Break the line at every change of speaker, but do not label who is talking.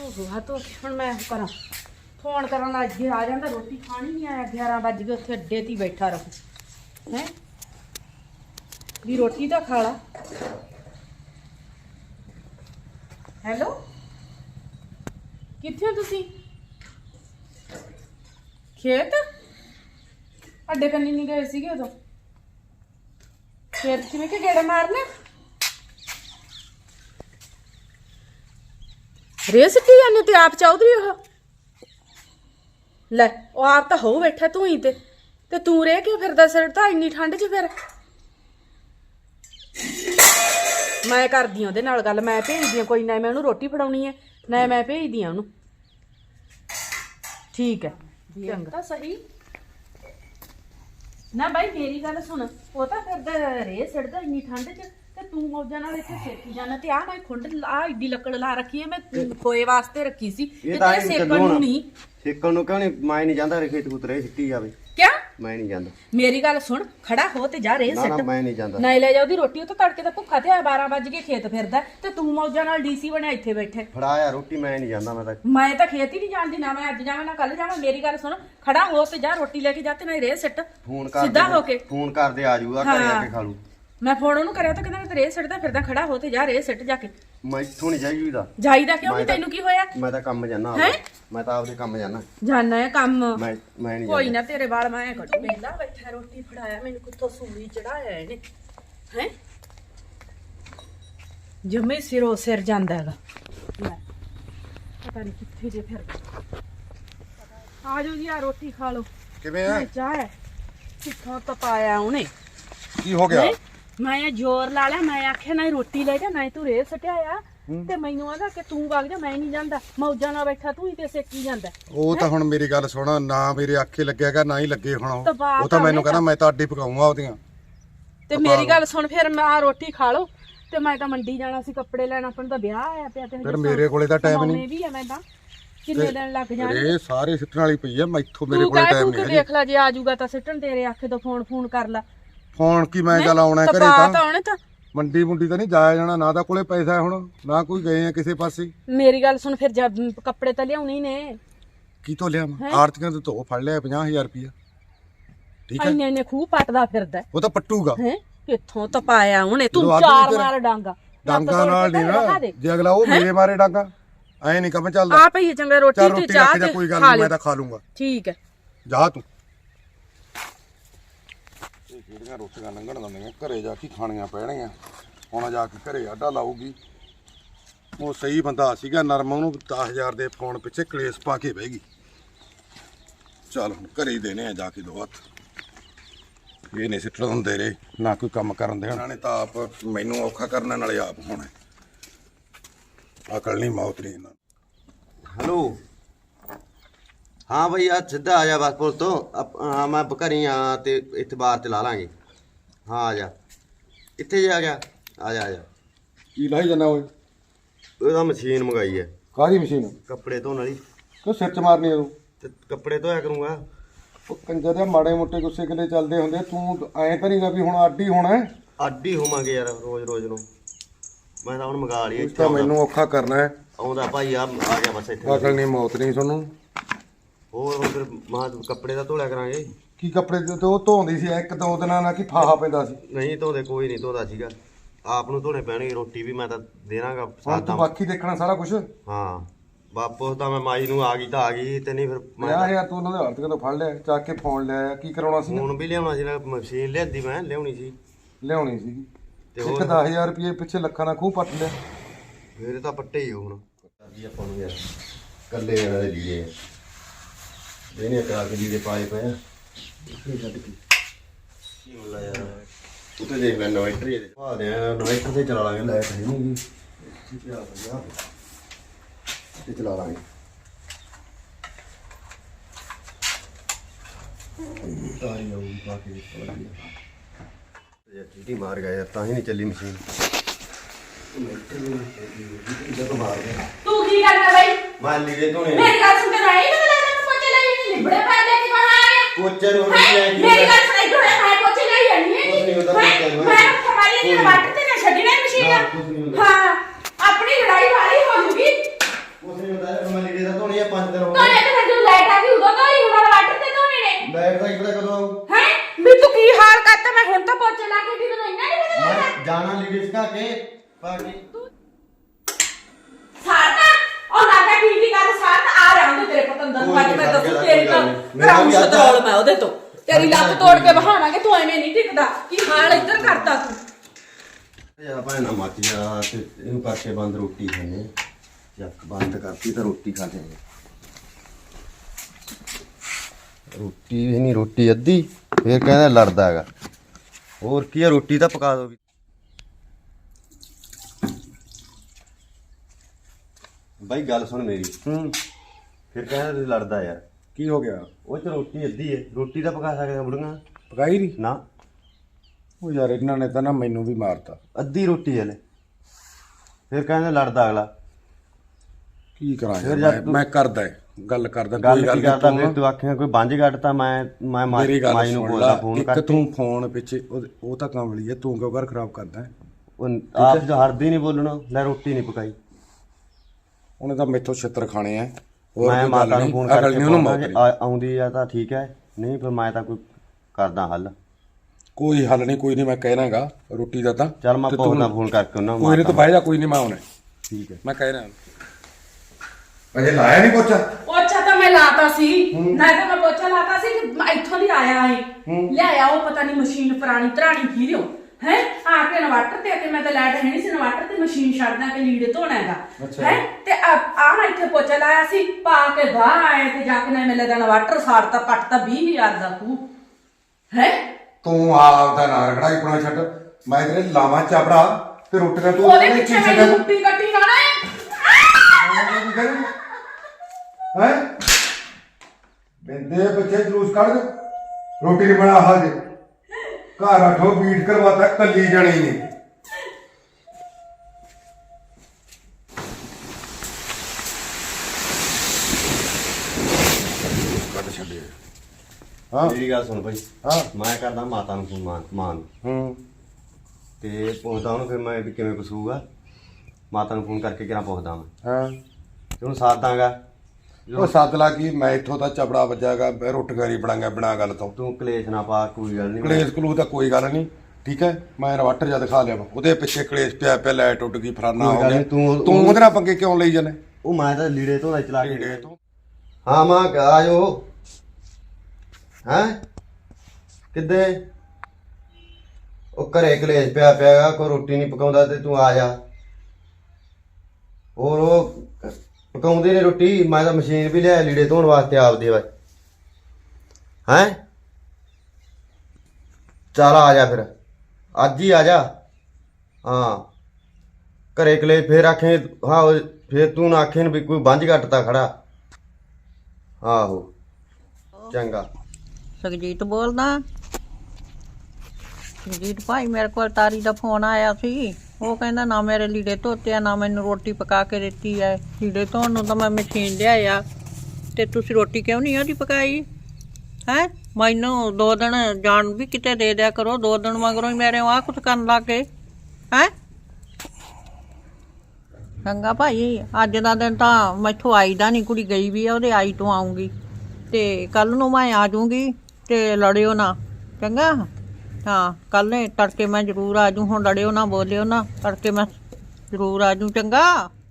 तो हुण मैं करा फोन करन लग गया आ जांदा रोटी खानी नहीं आया 11 बज गए उत्थे अड्डे ते बैठा रहो हैं भी रोटी तो खा ला। हेलो कित्थे हो तुसी खेत अड्डे कन्नी नहीं गए सीगे उदों खेत किवें के गेड़ा मारना रेस की जाने ते आप चौधरी हो ले ओ आप तो हो बैठा तू ही ते तू रह के फिरदा सिरदा इन्नी ठंड च फिर मैं करदी ओहदे नाल गल मैं भेजदी कोई ना मैं उन्होंने रोटी फड़ाउणी है ना मैं भेजदी उन्होंने ठीक है चंगा सही ना भाई मेरी गल सुन वो तो फिरदा रेह सिरदा इन्नी ठंड च ते तू मौजा नाल इत्थे सेकी जाना ते आ मैं खुंड आ एडी लकड़ ला रखी है मैं खोए वास्ते रखी सी ते तेरे सेकण नूं नहीं
सेकण नूं क्यों नहीं मैं नहीं जांदा खेत कुतरे सिੱਟੀ जावे
क्या
मैं नहीं जांदा
मेरी गल सुन खड़ा हो ते जा रेह
ना
सिट
ना मैं नहीं जांदा
नहीं ले जा ओदी रोटी तो तड़के दा भुक्खा ते 12 बज के खेत फिरदा ते तू मौजा नाल डीसी बनया इत्थे बैठे
फड़ाया रोटी मैं नहीं जांदा
मैं तो खेत ही नहीं जानती ना मैं अज जावां ना कल जावां मेरी गल सुन खड़ा हो ते जा रोटी लेके जा ते नहीं रेह सिट
फोन कर
सीधा होके
फोन कर दे आ जाऊगा घरे आके खा लू
मैं फोन ਉਹਨੂੰ ਕਰਿਆ ਤਾਂ ਕਹਿੰਦਾ ਮੈਂ ਤੇ ਰੇਹ ਸਿੱਟਦਾ ਫਿਰਦਾ ਖੜਾ ਹੋ ਤੇ ਜਾ ਰੇਹ ਸਿੱਟ ਜਾ ਕੇ
मैं इत्थों नहीं जाईदा
ਜਾਈਦਾ ਕਿਉਂ ਨਹੀਂ ਤੈਨੂੰ ਕੀ ਹੋਇਆ
मैं तो काम जाना
हैं?
मैं तो आपदे काम जाना
ਜਾਣਾ ਹੈ ਕੰਮ
मैं नहीं
ਕੋਈ ਨਾ ਤੇਰੇ ਵਾਲ ਮੈਂ ਕੱਢ ਵੇਲਾ ਬੈਠਾ ਰੋਟੀ ਫੜਾਇਆ ਮੈਨੂੰ ਕਿੱਥੋਂ ਸੂਲੀ ਚੜਾਇਆ ਇਹਨੇ ਹੈ ਜਮੇ ਸਿਰੋਂ ਸਿਰ ਜਾਂਦਾ ਹੈਗਾ ਲੈ ਪਤਾ ਨਹੀਂ ਕਿੱਥੇ ਜੇ ਫਿਰ ਆ ਜਾਓ ਜੀ ਆ ਰੋਟੀ ਖਾ ਲਓ
ਕਿਵੇਂ ਆ
ਚਾਹ ਹੈ ਕਿੱਥੋਂ ਤਪਾਇਆ ਉਹਨੇ
ਕੀ ਹੋ ਗਿਆ
ਮੈਂ ਜ਼ੋਰ ਲਾ ਲਿਆ ਮੈਂ ਆਖਿਆ ਨਾ ਰੋਟੀ ਲੈ ਜਾ ਨਾ ਤੂੰ ਰੇਹ ਸਟਿਆਇਆ ਤੇ ਮੈਨੂੰ ਆਂਦਾ ਕਿ ਤੂੰ ਵਗ ਜਾ ਮੈਂ ਨਹੀਂ ਜਾਂਦਾ ਮੌਜਾਂ ਨਾਲ ਬੈਠਾ ਤੂੰ ਹੀ ਤੇ ਸੇਕੀ ਜਾਂਦਾ
ਉਹ ਤਾਂ ਹੁਣ ਮੇਰੀ ਗੱਲ ਸੁਣ ਨਾ ਮੇਰੇ ਆਖੇ ਲੱਗਿਆਗਾ ਨਾ ਹੀ ਲੱਗੇ ਹੁਣ ਉਹ ਤਾਂ ਮੈਨੂੰ
ਉਹਨੇ
ਕਹਿੰਦਾ ਮੈਂ ਤਾਂ ਅੱਡੀ ਪਕਾਉਂਗਾ ਉਹਦੀਆਂ
ਤੇ ਮੇਰੀ ਗੱਲ ਸੁਣ ਫਿਰ ਮੈਂ ਆ ਰੋਟੀ ਖਾ ਲਓ ਤੇ ਮੈਂ ਤਾਂ ਮੰਡੀ ਜਾਣਾ ਸੀ ਕੱਪੜੇ ਲੈਣ ਆਪਾਂ ਨੂੰ ਤਾਂ ਵਿਆਹ ਆਇਆ ਪਿਆ ਤੇ
ਫਿਰ ਮੇਰੇ ਕੋਲੇ ਤਾਂ ਟਾਈਮ ਨਹੀਂ
ਵੀ ਆ ਮੈਂ ਤਾਂ ਕਿੰਨੇ ਦਿਨ ਲੱਗ ਜਾਣੇ
ਇਹ ਸਾਰੇ ਸਿੱਟਣ ਵਾਲੀ ਪਈ ਆ ਮੈਥੋਂ ਮੇਰੇ
ਤੂੰ
ਕੋਲੇ
ਕਹਿ
ਟਾਈਮ
ਤੂੰ ਕਿ
ਨਹੀਂ
ਦੇਖ ਲੈ ਜੇ ਆ ਜਾਊਗਾ ਤਾਂ ਸਿੱਟਣ ਤੇਰੇ ਆਖੇ ਤੋਂ ਫੋਨ ਕਰ ਲੈ
ਫੋਨ ਕੀ ਮੈਂ ਚੱਲ ਆਉਣਾ ਘਰੇ
ਤਾਂ
ਤਾਂ
ਉਹਨੇ ਤਾਂ
ਮੰਡੀ ਮੁੰਡੀ ਤਾਂ ਨਹੀਂ ਜਾਇਆ ਜਾਣਾ ਨਾ ਤਾਂ ਕੋਲੇ ਪੈਸਾ ਹੁਣ ਨਾ ਕੋਈ ਗਏ ਆ ਕਿਸੇ ਪਾਸੇ
ਮੇਰੀ ਗੱਲ ਸੁਣ ਫਿਰ ਜਦ ਕੱਪੜੇ ਤਾਂ ਲਿਆਉਣੇ ਹੀ ਨੇ
ਕੀ ਤੋਂ ਲਿਆ ਮੈਂ ਆਰਤੀਆਂ ਤੋਂ ਧੋ ਫੜ ਲਿਆ 50000 ਰੁਪਇਆ ਠੀਕ ਹੈ
ਇੰਨੇ ਖੂਹ ਪੱਟਦਾ ਫਿਰਦਾ
ਉਹ ਤਾਂ ਪੱਟੂਗਾ
ਹੈ ਕਿੱਥੋਂ ਤਪਾਇਆ ਉਹਨੇ ਤੂੰ
ਜਦੋਂ
ਚਾਰ
ਤੇਰਾ-
ਮਾਰ ਡਾਂਗਾ
ਡਾਂਗਾ ਨਾਲ ਨਹੀਂ ਨਾ ਜੇ ਅਗਲਾ ਉਹ ਮੇਰੇ ਮਾਰੇ ਡਾਂਗਾ ਐ ਨਹੀਂ ਕੰਮ ਚੱਲਦਾ
ਆ ਪਈ ਚੰਗਾ ਰੋਟੀ
ਚੱਲ
ਤੇ
ਰੋਟੀ
ਚਾਹ
ਰੱਖ ਜਾ
ਤੇ
ਕੋਈ ਗੱਲ
ਖਾ
ਨਹੀਂ
ਲਿਓ।
ਮੈਂ ਤਾਂ ਖਾ ਲੂੰਗਾ
ਠੀਕ ਹੈ
ਜਾ ਤੂੰ ਇਹ ਜਿਹੜੀਆਂ ਰੋਟੀਆਂ ਲੰਘਣ ਦਿੰਦੀਆਂ ਘਰੇ ਜਾ ਕੇ ਖਾਣੀਆਂ ਪੈਣਗੀਆਂ ਹੁਣ ਜਾ ਕੇ ਘਰੇ ਆਡਾ ਲਾਊਗੀ ਉਹ ਸਹੀ ਬੰਦਾ ਸੀਗਾ ਨਰਮ ਉਹਨੂੰ 10000 ਦੇ ਫੋਨ ਪਿੱਛੇ ਕਲੇਸ਼ ਪਾ ਕੇ ਬਹਿ ਗਈ ਚੱਲ ਹੁਣ ਘਰੇ ਹੀ ਦੇਣੇ ਆ ਜਾ ਕੇ ਦੋ ਹੱਥ ਇਹ ਨਹੀਂ ਸਿੱਟਣ ਹੁੰਦੇ ਰੇ ਨਾ ਕੋਈ ਕੰਮ ਕਰਨ ਦੇ ਉਹਨਾਂ ਨੇ ਤਾਂ ਆਪ ਮੈਨੂੰ ਔਖਾ ਕਰਨ ਨਾਲੇ ਆਪ ਹੋਣਾ ਅਕਲ ਨਹੀਂ ਮੌਤ ਨਹੀਂ ਇਹਨਾਂ
हेलो हाँ भाई आज सीधा आ जा बस पुल तो हाँ मैं घरी हाँ ते इत्थे बाहर ते ला लांगे हाँ आ जा कित्थे जा गया आ जा
ਕੀ ਲਾਈ ਜਾਣਾ ਓਏ
ਉਹਦਾ ਮਸ਼ੀਨ ਮੰਗਾਈ ਹੈ
ਕਾਹਦੀ ਮਸ਼ੀਨ
ਕੱਪੜੇ ਧੋਣ ਵਾਲੀ
ਕਿਉਂ ਸਿਰ ਚ ਮਾਰਨੀ ਆ ਤੂੰ
ਤੇ ਕੱਪੜੇ ਧੋਇਆ ਕਰੂੰਗਾ
ਉਹ ਕੰਜਰ ਦੇ ਮਾੜੇ ਮੋਟੇ ਗੁੱਸੇ ਕਿਲੇ ਚੱਲਦੇ ਹੁੰਦੇ ਤੂੰ ਐਂ ਤਾਂ ਨਹੀਂਗਾ ਵੀ ਹੁਣ ਅੱਡ ਹੀ ਹੋਣਾ ਹੈ
ਅੱਡ ਹੀ ਹੋਵਾਂਗੇ ਯਾਰ ਰੋਜ਼ ਨੂੰ ਮੈਂ ਤਾਂ ਹੁਣ ਮੰਗਾ ਲਈ
ਤਾਂ ਮੈਨੂੰ ਔਖਾ ਕਰਨਾ ਹੈ
ਆਉਂਦਾ ਭਾਈ ਆ ਗਿਆ ਬਸ ਇੱਥੇ
ਅਕਲ ਨਹੀਂ ਮੌਤ ਨਹੀਂ ਤੁਹਾਨੂੰ
ਹੋਰ ਹੁਣ ਫਿਰ ਮਾਂ ਕੱਪੜੇ ਤਾਂ ਧੋਲਿਆ ਕਰਾਂਗੇ
ਕੀ ਕੱਪੜੇ ਤੇ ਉਹ ਧੋਂਦੀ ਸੀ ਇੱਕ ਦੋ ਦਿਨਾਂ ਨਾਲ ਕੀ ਫਾਹਾ ਪੈਂਦਾ ਸੀ
ਨਹੀਂ ਧੋਦੇ ਕੋਈ ਨਹੀਂ ਧੋਦਾ ਸੀਗਾ ਆਪ ਨੂੰ ਧੋਣੇ ਪੈਣਗੇ ਰੋਟੀ ਵੀ ਮੈਂ ਤਾਂ ਦੇਣਾਗਾ
ਹੁਣ ਤੂੰ ਬਾਕੀ ਦੇਖਣਾ ਸਾਰਾ ਕੁਝ
ਹਾਂ ਵਾਪਸ ਤਾਂ ਮੈਂ ਮਾਈ ਨੂੰ ਆ ਗਈ ਤੇ ਨਹੀਂ ਫਿਰ ਮੈਂ
50000 ਤੂੰ ਉਹਨਾਂ ਦੇ ਹੱਥ ਤੋਂ ਫੜ ਲਿਆ ਚੱਕ ਕੇ ਫੋਨ ਲਿਆ ਕੀ ਕਰਾਉਣਾ ਸੀ
ਹੁਣ ਵੀ ਲਿਆਉਣਾ ਸੀ ਨਾ ਮਸ਼ੀਨ ਲਿਆਂਦੀ ਮੈਂ ਲਿਆਉਣੀ ਸੀ
ਲਿਆਉਣੀ ਸੀਗੀ
ਤੇ
ਇੱਕ 10000 ਰੁਪਏ ਪਿੱਛੇ ਲੱਖਾਂ ਦਾ ਖੂਹ ਪੱਟ ਲਿਆ
ਮੇਰੇ ਤਾਂ ਪੱਟੇ ਹੀ ਹੁਣ ਜੀ ਆਪਾਂ ਨੂੰ ਯਾਰ ਕੱਲੇ ਇਹਨਾਂ ਦੇ ਲੀੜੇ ਦੇਨੇ ਕਰਾ ਕੇ ਲੀੜੇ ਪਾਏ ਪਏ ਆ ਕੀ ਛੱਡ ਕੇ ਕੀ ਹੁੰਦਾ ਯਾਰ ਉੱਤੇ ਦੇਖ ਲੈ ਇਨਵਰਟਰ ਇਹਦੇ ਆ ਦੇ ਇਨਵਰਟਰ ਤੇ ਚਲਾ ਲਾਂਗੇ ਲਾਈਟ ਹੈ ਨਹੀਂ ਜੀ ਕੀ ਆ ਗਿਆ ਤੇ ਚਲਾ ਲਾਂਗੇ ਤਾਰੀ ਆਉਂ ਬਾਕੀ ਚਲਾ ਗਿਆ ਯਾਰ ਚੀਟੀ ਮਾਰ ਗਿਆ ਯਾਰ ਤਾਂ ਹੀ ਨਹੀਂ ਚੱਲੀ ਮਸ਼ੀਨ ਜਦੋਂ ਮਾਰ ਗਿਆ
ਤੂੰ ਕੀ ਕਰਨਾ ਬਈ
ਮਾਰ ਲੀੜੇ ਧੋਣੇ
ਮੇਰੀ ਗੱਲ ਸੁਣ ਕੇ ਰਾਈ ਨਾ ਲੈ ਪੋਚੇ ਲਈ ਲਿਬੜੇ ਪੈ ਲੈ ਕੇ ਬਾਹਰ ਆਇਆ
ਪੋਚੇ ਨੂੰ ਨਹੀਂ ਆਈ
ਮੇਰੀ ਗੱਲ ਸੁਣ ਇਧਰ ਆ ਪੋਚੇ ਲਈ ਆਣੀ
ਕੁਛ ਨਹੀਂ ਹੁੰਦਾ ਪੋਚੇ ਨੂੰ
ਮੈਂ ਖਵਾਲੀ ਨਹੀਂ ਵੱਟ ਤੇ ਨਾ ਛੱਡਣਾ ਮਸ਼ੀਨ ਹਾਂ ਆਪਣੀ ਲੜਾਈ ਵਾਲੀ ਹੋ ਜੂਗੀ
ਕੁਛ ਨਹੀਂ ਹੁੰਦਾ ਜਾਣਾ ਲੀੜੇ ਸਕਾ ਕੇ ਪਾ ਕੇ
ਸਾਰਨਾ ਉਹ ਲਾਗਾ ਕੀ ਗੱਲ ਸਾਰਨਾ ਆ ਰਿਹਾ ਉਹਦੇ ਤੇਰੇ ਪਤੰਦਰ ਨੂੰ ਅੱਜ ਮੈਂ ਦੱਸੂ ਤੇਰੀ ਤਾਂ ਕਰਾਉਂ ਸਤਰੋਲ ਮੈਂ ਉਹਦੇ ਤੋਂ ਤੇਰੀ ਲੱਤ ਤੋੜ ਕੇ ਬਹਾਵਾਂਗੇ ਤੂੰ ਐਵੇਂ ਨਹੀਂ ਟਿਕਦਾ ਕੀ ਹਾਲ ਇੱਧਰ ਕਰਤਾ ਤੂੰ
ਯਾਰ ਭਾਵੇਂ ਨਾ ਮੱਚ ਜਾ ਤੇ ਇਹਨੂੰ ਕਰਕੇ ਬੰਦ ਰੋਟੀ ਖਾਣੇ ਚੱਕ ਬੰਦ ਕਰਤੀ ਤਾਂ ਰੋਟੀ ਖਾ ਲੈਂਗੇ ਰੋਟੀ ਵੀ ਨਹੀਂ ਰੋਟੀ ਅੱਧੀ ਫੇਰ ਕਹਿੰਦਾ ਲੜਦਾ ਹੈਗਾ ਹੋਰ ਕੀ ਆ ਰੋਟੀ ਤਾਂ ਪਕਾ ਦੋ ਬਾਈ ਗੱਲ ਸੁਣ ਮੇਰੀ ਫਿਰ ਕਹਿੰਦਾ ਤੁਸੀਂ ਲੜਦਾ ਯਾਰ
ਕੀ ਹੋ ਗਿਆ?
ਉਹ ਚ ਰੋਟੀ ਅੱਧੀ ਹੈ ਰੋਟੀ ਤਾਂ ਪਕਾ ਸਕਦੇ ਬੁੜੀਆਂ
ਪਕਾਈ ਨਹੀਂ?
ਨਾ
ਉਹ ਯਾਰ ਇਹਨਾਂ ਨੇ ਤਾਂ ਨਾ ਮੈਨੂੰ ਵੀ ਮਾਰਤਾ।
ਅੱਧੀ ਰੋਟੀ ਹਲੇ ਫਿਰ ਕਹਿੰਦਾ ਲੜਦਾ ਅਗਲਾ
ਕੀ ਕਰਾਂ
ਫਿਰ
ਯਾਰ
ਜਦ
ਮੈਂ ਕਰਦਾ ਗੱਲ ਕਰਦਾ
ਗੱਲ
ਕੋਈ
ਕੀ
ਨੀ,
ਕਰਦਾ ਫਿਰ ਤੂੰ ਆਖਿਆ ਕੋਈ ਬੰਜ ਘਟਤਾ ਮੈਂ
ਮੇਰੀ ਗੱਲ
ਮਾਈ ਨੂੰ
ਸੁਣ
ਬੋਲਦਾ
ਲਾ,
ਫੋਨ
ਇੱਕ
ਕਰਕੇ
ਤੂੰ ਫੋਨ ਪਿੱਛੇ ਉਹ ਤਾਂ ਕਾਮਲੀ ਹੈ, ਤੂੰ ਕਿਉਂ ਘਰ ਖਰਾਬ ਕਰਦਾ?
ਉਹ ਆਪ ਜੋ ਹਰਦੀ ਨਹੀਂ ਬੋਲਣਾ ਲੈ ਰੋਟੀ ਨਹੀਂ ਪਕਾਈ
ਉਹਨੇ ਤਾਂ ਮੈਥੋਂ ਛਿੱਤਰ ਖਾਣੇ ਆ।
ਮੈਂ ਮਾਤਾ ਨੂੰ ਫੋਨ ਕਰਕੇ
ਉਹਨੂੰ
ਆਉਂਦੀ ਆ ਤਾਂ ਠੀਕ ਹੈ ਨਹੀਂ ਫਿਰ ਮੈਂ ਤਾਂ ਕੋਈ ਕਰਦਾ ਹੱਲ
ਕੋਈ ਹੱਲ ਨਹੀਂ, ਕੋਈ ਨਹੀਂ, ਮੈਂ ਕਹਿਣਾਗਾ ਰੋਟੀ ਦਾ ਤਾਂ
ਚੱਲ ਮੈਂ ਪੁੱਛਦਾ ਫੋਨ ਕਰਕੇ ਉਹਨਾਂ ਨੂੰ
ਕੋਈ ਨਹੀਂ, ਤੂੰ ਬਹਿ ਜਾ, ਕੋਈ ਨਹੀਂ, ਮੈਂ ਆਉਣਾ
ਠੀਕ ਹੈ
ਮੈਂ ਕਹਿਣਾ। ਅਜੇ ਲਾਇਆ ਨਹੀਂ ਪੋਚਾ?
ਪੋਚਾ ਤਾਂ ਮੈਂ ਲਾਤਾ ਸੀ ਨਾ ਤਾਂ ਮੈਂ ਪੋਚਾ ਲਾਤਾ ਸੀ ਕਿ ਇੱਥੋਂ ਦੀ ਆਇਆ ਏ ਲਿਆਇਆ ਉਹ ਪਤਾ ਨਹੀਂ ਮਸ਼ੀਨ ਪੁਰਾਣੀ ਧਰਾਣੀ ਕੀ ਰਿਓ ਹੈ ਆ ਕੇ ਇਨਵਰਟਰ ਤੇ ਕਿ ਮੈਂ ਤਾਂ ਲਾਈਟ ਹੈ ਨਹੀਂ ਸੀ ਇਨਵਰਟਰ ਤੇ ਮਸ਼ੀਨ ਛੱਡਦਾ ਕਿ ਲੀੜੇ ਧੋਣਾ ਹੈਗਾ ਹੈ ਤੇ ਆ ਮੈਂ ਇੱਥੇ ਪੋਚਾ ਲਾਇਆ ਸੀ ਪਾ ਕੇ ਬਾਹਰ ਆਏ ਤੇ ਜਾ ਕੇ ਨਾ ਮੈਂ ਲੱਗਾ ਇਨਵਰਟਰ ਸਾੜਤਾ ਪੱਟਤਾ 20000 ਦਾ ਤੂੰ ਹੈ
ਤੂੰ ਆਪਦਾ ਨਾ ਰਗੜਾ ਪੁਣਾ ਛੱਡ, ਮੈਂ ਤੇਰੇ ਲਾਵਾਂ ਚਾਪੜਾ ਤੇ ਰੋਟੀਆਂ ਤੂੰ
ਉਹਦੇ ਪਿੱਛੇ ਮੈਨੂੰ ਕੁੱਟੀ ਕੱਟੀ ਲਾਣਾ ਹੈ
ਹੈ ਬੰਦੇ ਬੱਚੇ ਜਲੂਸ ਕੱਢ ਰੋਟੀ ਨਹੀਂ ਬਣਾ ਹਾਜੇ ਘਰ ਆਠੋ ਬੀਟ ਕਰਵਾਤਾ ਕੱਲੀ ਜਾਣੀ ਨੇ। ਕੱਢ ਛੱਡੇ। ਹਾਂ
ਮੇਰੀ ਗੱਲ ਸੁਣ ਭਾਈ
ਹਾਂ
ਮੈਂ ਕਰਦਾ ਮਾਤਾ ਨੂੰ ਫੋਨ ਮਾਂ ਨੂੰ ਤੇ ਪੁੱਛਦਾ ਉਹਨੂੰ ਫਿਰ ਮੈਂ ਵੀ ਕਿਵੇਂ ਕਸੂਗਾ ਮਾਤਾ ਨੂੰ ਫੋਨ ਕਰਕੇ ਕਿਹੜਾ ਪੁੱਛਦਾ ਮੈਂ
ਹਾਂ
ਤੇ ਉਹਨੂੰ ਸਾਥ ਦਾਂਗਾ
ਉਹ ਸੱਦ ਲਾ ਕੀ ਮੈਂ ਇੱਥੋਂ ਤਾਂ ਚਪੜਾ ਵੱਜਾਗਾ ਰੋਟੀਆਂ ਬਣਾਂਗਾ ਬਿਨਾ ਗੱਲ ਤੋਂ।
ਤੂੰ ਕਲੇਸ਼ ਨਾ ਪਾ ਕੋਈ ਗੱਲ ਨਹੀਂ
ਕਲੇਸ਼ ਕਲੂ ਤਾਂ ਕੋਈ ਗੱਲ ਨਹੀਂ, ਠੀਕ ਹੈ, ਮੈਂ ਇਨਵਰਟਰ ਜਦ ਖਾ ਲਿਆ ਉਹਦੇ ਪਿੱਛੇ ਕਲੇਸ਼ ਪਿਆ ਪਿਆ ਲਾਈਟ ਟੁੱਟ ਗਈ ਫਰਾਨਾ ਹੋ ਗਿਆ। ਤੂੰ ਉਹਦੇ ਨਾਲ ਪੰਗੇ ਕਿਉਂ ਲਈ ਜਾਂਦੇ?
ਉਹ ਮੈਂ ਤਾਂ ਲੀੜੇ ਧੋਦਾ ਚਲਾ ਕੇ
ਲੀੜੇ ਤੋਂ
ਹਾਂ ਮਾਂ ਆ ਜਾਓ ਹੈਂ ਕਿੱਦੇ ਉਹ ਘਰੇ ਕਲੇਸ਼ ਪਿਆ ਪਿਆਗਾ ਕੋਈ ਰੋਟੀ ਨਹੀਂ ਪਕਾਉਂਦਾ ਤੇ ਤੂੰ ਆ ਜਾ ਹੋਰ ਉਹ ਪਕਾਉਂਦੇ ਨੇ ਰੋਟੀ ਮੈਂ ਤਾਂ ਮਸ਼ੀਨ ਵੀ ਲਿਆ ਲੀੜੇ ਧੋਣ ਵਾਸਤੇ ਆਪਦੇ ਵਾ ਹੈਂ ਚੱਲ ਆ ਜਾ ਫਿਰ ਅੱਜ ਹੀ ਆ ਜਾ ਹਾਂ ਘਰੇ ਕਲੇਸ਼ ਫੇਰ ਆਖੇ ਹਾਂ ਫੇਰ ਤੂੰ ਨਾ ਆਖੇ ਵੀ ਕੋਈ ਬੰਝ ਘੱਟਦਾ ਖੜਾ ਆਹੋ ਚੰਗਾ
ਸੁਖਜੀਤ ਬੋਲਦਾ। ਸੁਖਜੀਤ ਭਾਈ ਮੇਰੇ ਕੋਲ ਤਾਰੀ ਦਾ ਫੋਨ ਆਇਆ ਸੀ, ਉਹ ਕਹਿੰਦਾ ਨਾ ਮੇਰੇ ਲੀੜੇ ਧੋਤੇ ਆ ਨਾ ਮੈਨੂੰ ਰੋਟੀ ਪਕਾ ਕੇ ਦਿੱਤੀ ਹੈ। ਲੀੜੇ ਧੋਣ ਨੂੰ ਤਾਂ ਮੈਂ ਮਸ਼ੀਨ ਲਿਆਇਆ ਤੇ ਤੁਸੀਂ ਰੋਟੀ ਕਿਉਂ ਨਹੀਂ ਉਹਦੀ ਪਕਾਈ ਹੈ? ਮੈਨੂੰ 2 ਦਿਨ ਜਾਣ ਵੀ ਕਿਤੇ ਦੇ ਦਿਆ ਕਰੋ, 2 ਦਿਨ ਮਗਰੋਂ ਹੀ ਮੇਰੇ ਆਹ ਕੁਛ ਕਰਨ ਲੱਗ ਗਏ ਹੈ। ਚੰਗਾ ਭਾਈ ਅੱਜ ਦਾ ਦਿਨ ਤਾਂ ਮੈਥੋਂ ਆਈ ਦਾ ਨਹੀਂ, ਕੁੜੀ ਗਈ ਵੀ ਆ ਉਹਦੇ ਆਈ ਤੋਂ ਆਊਂਗੀ ਤੇ ਕੱਲ ਨੂੰ ਮੈਂ ਆ ਜਾਊਂਗੀ ਤੇ ਲੜਿਓ ਨਾ ਚੰਗਾ। ਹਾਂ ਕੱਲ ਨੇ ਤੜਕੇ ਮੈਂ ਜ਼ਰੂਰ ਆ ਜੂ, ਹੁਣ ਲੜਿਓ ਨਾ ਬੋਲਿਓ ਨਾ, ਤੜਕੇ ਮੈਂ ਜ਼ਰੂਰ ਆ ਜੂ ਚੰਗਾ।